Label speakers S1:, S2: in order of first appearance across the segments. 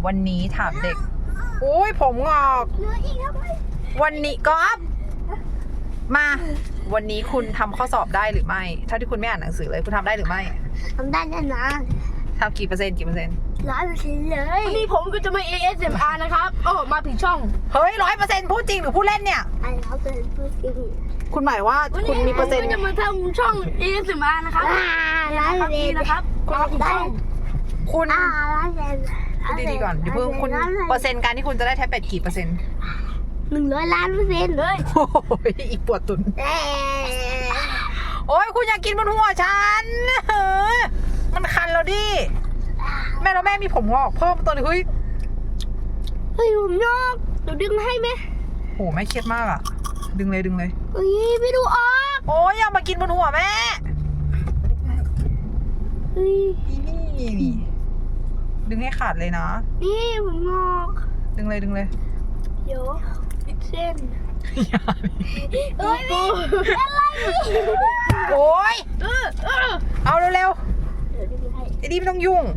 S1: วันนี้ถามเด็กอุ้ยผมงอกวันนี้ก๊อฟมาวันนี้คุณทำข้อสอบได้หรือไม่เท่าที่คุณไม่อ่านหนังสือเลยคุณทำได้หรือไม่
S2: ทำได้แน่นอน
S1: ทำกี่เปอร์เซ็นต์
S2: 100%เลย
S3: วันนี้ผมก็จะมา ASMR นะครับโอ้มาผิดช่อง
S1: เฮ้ย100%พูดจริงหรือพูดเล่นเนี่ย
S2: ไอ้เราเป็นผู้จริง
S1: คุณหมายว่าคุณมีเปอร์เซ็นต์
S3: ผมก็จะมาทำช่อง ASMR นะครับ
S2: 100%
S3: นี่นะครับมาผิดช่อง
S1: คุณ
S2: 100%
S1: พูดดีๆก่อนเดี๋ยวเพิ่งคุณเปอร์เซ็นต์การที่คุณจะได้แท็บเล็ตกี่เปอร์เซ็นต์
S2: 100 ล้านเปอร์เซ็นต์เลย
S1: โอ้ยอีกปวดตุนโอ้ยคุณอยากกินบนหัวฉันเฮ้ยมันคันแล้วดิแม่แล้วแม่มีผมงอกเพิ่มตัวนึงเฮ้ย
S2: เฮ้ยผมยอกเดี๋ยวดึงให้ไหม
S1: โหแม่เครียดมากอะดึงเลยดึงเลย
S2: เฮ้ยไม่ดูออก
S1: โอ้ยอย่ามากินบนหัวแม่
S2: เฮ้ย
S1: นี่ดึงให้ขาดเลยนะ
S2: นี่ผมงอก
S1: ดึงเลยดึงเลย
S2: เดี๋ยวปิดเส้น
S1: อย่า
S2: เฮ้ยอะไร
S1: โอ้ยเอาเร็ว
S2: เดี๋ยวดึงให้
S1: ๆไอ้นี่ไม่ต้องยุ่ง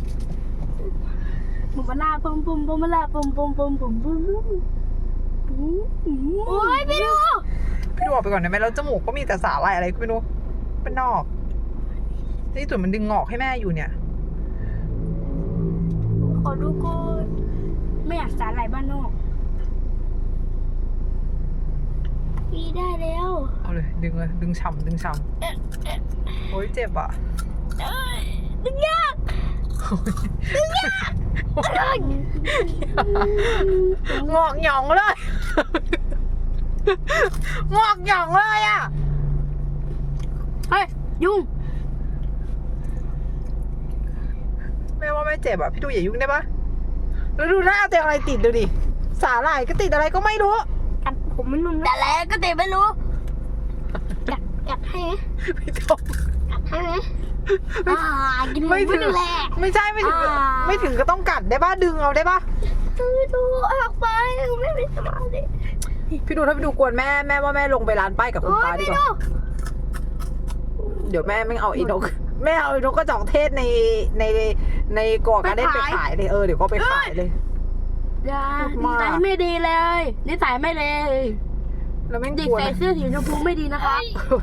S3: บุมบลาปุมปุมบุมบลาปุมปุมปุมปุมปุมปุม
S2: โอ้ยไม่ดู
S1: พี่ดูออกไปก่อนได้ไหมแล้วจมูกก็มีแต่สาลายอะไรก็ไม่รู้เป็นนอกนี่ส่วนมันดึงงอกให้แม่อยู่เนี่ย
S3: ขอดูก่อนไม่อยากสาหร่ายบ้านนอก
S2: พี่ได้แล้ว
S1: เอาเลยดึงเลยดึงฉ่ำดึงฉ่ำโอ้ยเจ็บอ่ะ
S2: ดึงยาก
S1: งอกหยองเลยงอกหยองเลยอ่ะ
S3: เฮ้ยยุ่ง
S1: แม่ว่าไม่เจ็บอ่ะพี่ดูอย่ายุ่งได้ปะแล้วดูหน้าตัวอะไรติดดูดิสาหร่ายก็ติดอะไรก็ไม่รู้
S2: กัดผมมันนุ่มแต่แล้วก็เตะไม่รู้กัดให้ไหม
S1: พี่ต้ม
S2: กัดให้ไหมกิน
S1: ไม่ถึง
S2: แหละ
S1: ไม่ใช่ไม่ถึงไม่ถึงก็ต้องกัดได้ปะดึงเอาได้ปะ
S2: ดูออกไปไม่มีสมาธิ
S1: พี่ดูถ้าพี่ดูกวนแม่แม่ว่าแม่ลงไปร้านป้ายกับคุณ
S2: โอ้ย
S1: ป้าดี
S2: ไม่
S1: กว่า
S2: ดู
S1: เดี๋ยวแม่ไม่เอาอีนกแม่เอาอีนกกระจอกเทศในก่อการได้ไปขายเลยเดี๋ยวก็ไปขายเลย
S3: อย่า
S1: พูด
S3: นิ
S1: มาก
S3: สัยไม่ดีเลยนิสัยไม่เลย
S1: แล้วไม่
S3: เด็ก
S1: กลัว
S3: ใส่
S1: นะ
S3: เสื้อสีชมพูไม่ดีนะครับ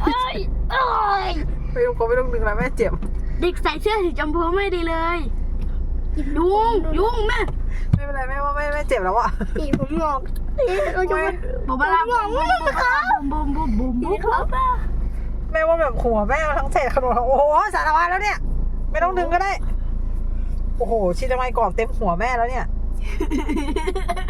S1: ไม่ต้องดึงแล้วแม่เจ็บ
S3: เด็กใส่เสื้อสีชมพูไม่ดีเลยยุ่งแม่
S1: ไม่เป็นไรแม่ว่าไม่เจ็บแล้วอะ
S2: ตีผมงอกเราจะมา
S3: บุมบลาปุมปุมปุมปุมปุมปุม
S2: ตีครับ
S1: แม่ว่าแบบหัวแม่เอาทั้งเศษขนมโอ้โหสารพัดแล้วเนี่ยไม่ต้องดึงก็ได้โอ้โหชิดทำไมกรอบเต็มหัวแม่แล้วเนี่ย